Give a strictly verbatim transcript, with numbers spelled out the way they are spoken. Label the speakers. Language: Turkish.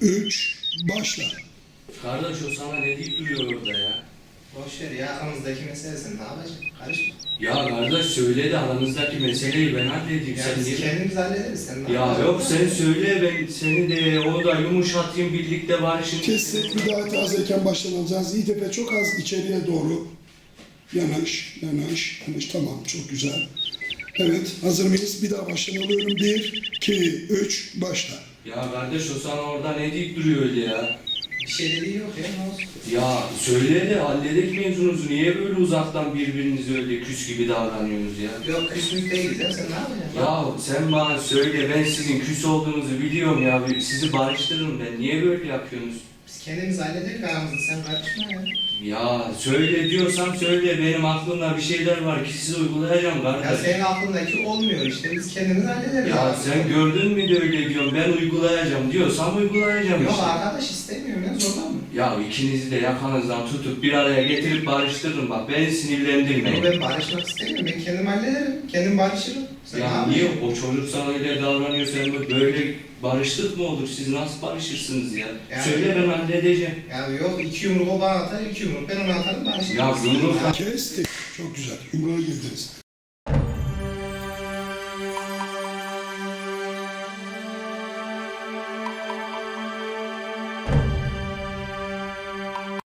Speaker 1: üç, başla.
Speaker 2: Kardeş o sana ne deyip duruyor orada ya?
Speaker 3: Boş ver ya, aramızdaki mesele sen ne yapacaksın? Karışma.
Speaker 2: Ya kardeş söyle de aranızdaki meseleyi ben halledeyim.
Speaker 3: Ya
Speaker 2: Sen
Speaker 3: biz
Speaker 2: niye?
Speaker 3: kendimiz hallederiz, sen ne
Speaker 2: Ya
Speaker 3: yapacaksın?
Speaker 2: yok sen söyle ben seni de onu da yumuşatayım birlikte barışın.
Speaker 1: Kestik, bir daha tazeyken baştan alacağız. İtepe çok az içeriye doğru. Yanaş, yanaş, yanaş. Tamam, çok güzel. Evet, hazır mıyız? Bir daha baştan alıyorum. Bir, iki, üç, başla.
Speaker 2: Ya kardeş o sana orada ne deyip duruyor öyle ya?
Speaker 3: Bir şey dediği yok ya, ne olsun?
Speaker 2: Ya söyle de halledek mevzunuzu. Niye böyle uzaktan birbirinize öyle küs gibi davranıyorsunuz ya?
Speaker 3: Yok, küsmüş değiliz ya, sen ne yapacaksın?
Speaker 2: Ya sen bana söyle ben sizin küs olduğunuzu biliyorum ya. Sizi barıştırırım ben. Niye böyle yapıyorsunuz?
Speaker 3: Biz kendimiz hallederiz aramızda, sen karışma ya.
Speaker 2: Ya söyle diyorsam söyle. Benim aklımda bir şeyler var ki size uygulayacağım
Speaker 3: Ya
Speaker 2: kardeş.
Speaker 3: senin aklındaki olmuyor işte, biz kendimiz hallederiz.
Speaker 2: Ya
Speaker 3: aramızda.
Speaker 2: sen gördün mü de öyle diyorum. Ben uygulayacağım diyorsam uygulayacağım
Speaker 3: Yok
Speaker 2: işte.
Speaker 3: arkadaş istemiyorum ya, zorlan mı?
Speaker 2: Ya ikinizi de yakanızdan tutup bir araya getirip barıştırırım bak. Beni sinirlendirmeyin.
Speaker 3: Ben barışmak istemiyorum, ben kendim hallederim, kendim barışırım. Sen ne
Speaker 2: Ya
Speaker 3: yapacaksın?
Speaker 2: niye o çocuk sana öyle davranıyor, sen böyle barıştık mı olur? Siz nasıl barışırsınız ya?
Speaker 3: Yani-
Speaker 2: Söyle ben halledeceğim.
Speaker 3: Ya yok, iki yumruk o bana atar, iki yumruk ben ona atarım, barışırım.
Speaker 2: Ya yumruk-
Speaker 1: Kestik. Çok güzel. Yumruğa girdiniz.